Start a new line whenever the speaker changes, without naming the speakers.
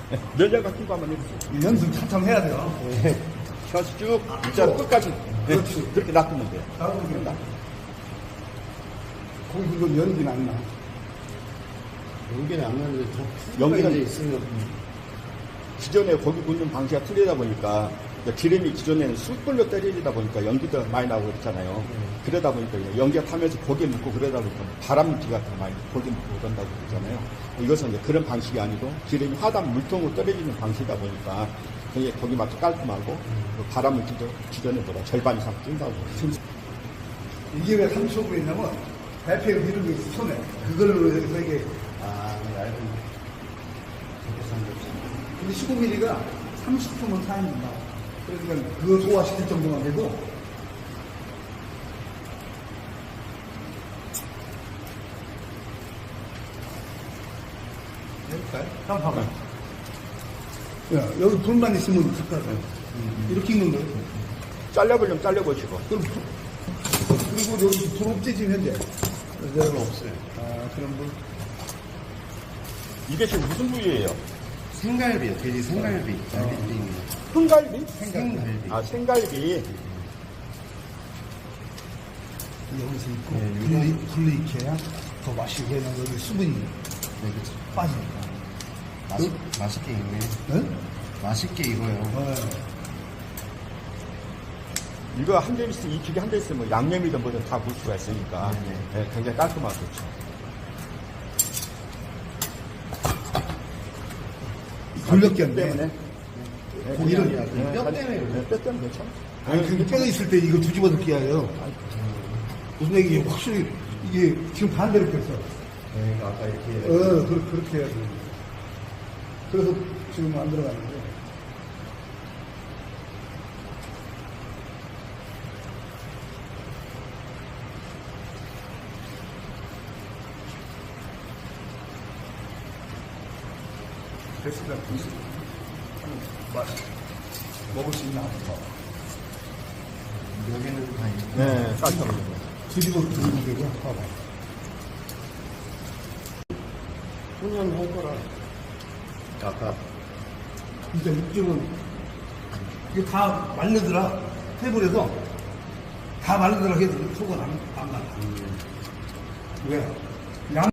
면장 같은 거 한번 해보세요.
연습 차참 해야 돼요.
혀수 쭉 일자로 끝까지
그렇지.
그렇게 놔두면 돼요.
나도 거기 그거 연기는 안 나.
연기는 안 나는데
연기가
이제 있으면
기존에 고기 굽는 방식이 틀리다 보니까 기름이 기존에는 숯불로 때리다 보니까 연기도 많이 나오고 그랬잖아요. 그러다 보니까 연기가 타면서 고기 묻고 그러다 보니까 바람기가 더 많이 고기 묻고 그런다고 그러잖아요. 이것은 이제 그런 방식이 아니고 기름이 하단 물통으로 떨어지는 방식이다 보니까 굉장히 고기 맛도 깔끔하고 바람물기도 기존에보다 절반 이상 뛴다고.
이게 왜 30초분이냐면 발표에 이런 게 있어, 손에. 그걸로 해서 이게.
얇은
근데 15mm가 30초면 사인된다. 그러니까 그거 소화시킬 정도만 해도 해볼까요? 한번 봐봐. 야, 여기 불만 있으면 숟가락. 이렇게 있는 거예요.
잘려보려면 잘려보시고.
그럼 그리고 여기 불 없지 지금 현재.
별로 없어요.
그럼 뭐
이게 지금 무슨 부위예요?
생갈비요. 돼지 생갈비. 갈비찜.
흥갈비?
생갈비.
아, 생갈비.
여기서 있고
네,
불리 익혀야 더 맛있게 되는 여기 수분이
네, 그쵸.
빠지니까.
맛있게 익네.
네?
맛있게 익어요.
이거 한 점 있으면, 익히기 한 점 있으면 양념이든 뭐든 다 볼 수가 있으니까
네네.
굉장히 깔끔하고 좋죠.
돌렸기
때문에.
고기를
뼈 때문에 그래요.
뼈 때문에 괜찮아.
아니 근데 뼈가 있을 때 이거 뒤집어 넣기 하여 무슨 얘기 확실히 이게 지금 반대로 꼈어.
네, 아까 이렇게.
그렇게 해야 돼. 그래서 지금 안 들어가는 거예요. 됐습니다. 먹을 수 있나 한번 봐봐.
여기는 다 익고.
네, 깔끔하게.
뒤집어 들고 되고 봐봐.
훈연할 거라. 아까
진짜 육즙은 이게 다 말르더라. 테이블에서 다 말르더라 해도 속은 안 말라. 왜?